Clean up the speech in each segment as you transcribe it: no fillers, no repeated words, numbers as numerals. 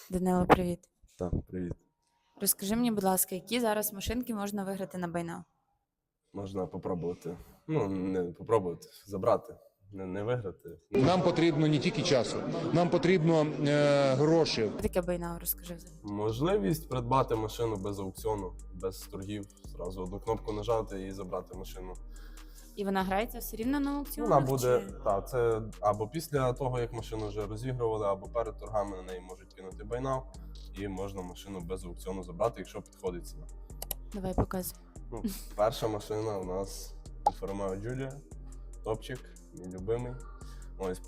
Данило, привіт. Так, привіт. Розкажи мені, будь ласка, які зараз машинки можна виграти на байнав? Можна попробувати. Ну, не попробувати, забрати, не виграти. Нам потрібно не тільки часу, нам потрібно гроші. Що таке байнав? Розкажи взагалі. Можливість придбати машину без аукціону, без торгів. Зразу одну кнопку нажати і забрати машину. І вона грається все рівно на аукціонах? Вона буде, чи- так, це або після того, як машину вже розігрували, або перед торгами на неї можуть кинути байнав, і можна машину без аукціону забрати, якщо підходить ціна. Давай показуй. Ну, перша машина у нас Альфа Ромео Джулія, топчик, мій любимий. Ось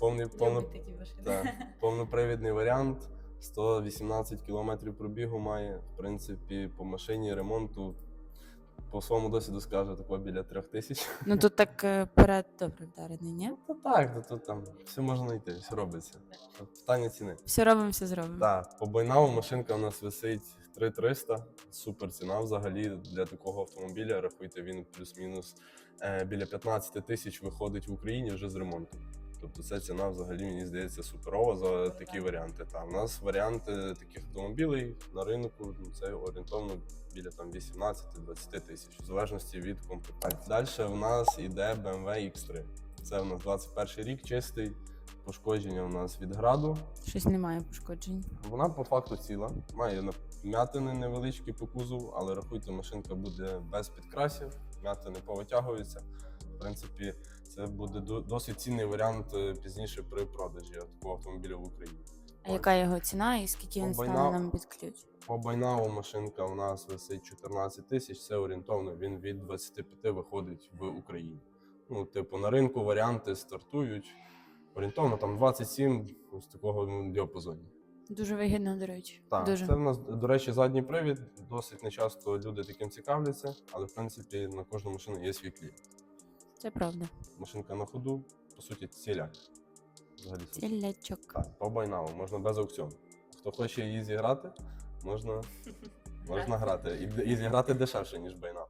повнопривідний варіант, 118 км пробігу має. В принципі, по машині ремонту, по своєму досвіду скажу, такого біля 3000. Ну тут так перед добре вдарений, ні? Ну так, тут там все можна знайти, все робиться. Питання ціни. Все робимо, все зробимо. Так, по байнаву машинка у нас висить 3300, супер ціна взагалі для такого автомобіля. Рахуйте, він плюс-мінус біля 15 тисяч виходить в Україні вже з ремонту. Тобто ця ціна взагалі, мені здається, суперова за такі варіанти. Та, у нас варіанти таких автомобілів на ринку, це орієнтовно біля 18-20 тисяч, в залежності від комплектації. Далі в нас іде BMW X3. Це у нас 21 рік, чистий. Пошкодження у нас від граду. Щось немає пошкоджень. Вона по факту ціла. Має вмятини невеличкі по кузову, але рахуйте, машинка буде без підкрасів, вмятини повитягуються. В принципі, це буде досить цінний варіант пізніше при продажі такого автомобіля в Україні. А яка його ціна і скільки він стане нам під ключ? По байнаву машинка у нас висить 14 тисяч, це орієнтовно, він від 25 виходить в Україні. Ну, типу, на ринку варіанти стартують орієнтовно там 27 з такого діапазоні. Дуже вигідно, до речі. Так, Дуже. це в нас, до речі, задній привід. Досить нечасто люди таким цікавляться, але в принципі на кожну машину є свій кліп. Це правда. Машинка на ходу, по суті, ціляк. Взагалі супер. Цілячок. Так, по байнаву, можна без аукціону. Хто хоче її зіграти, можна грати. І зіграти дешевше, ніж байнав.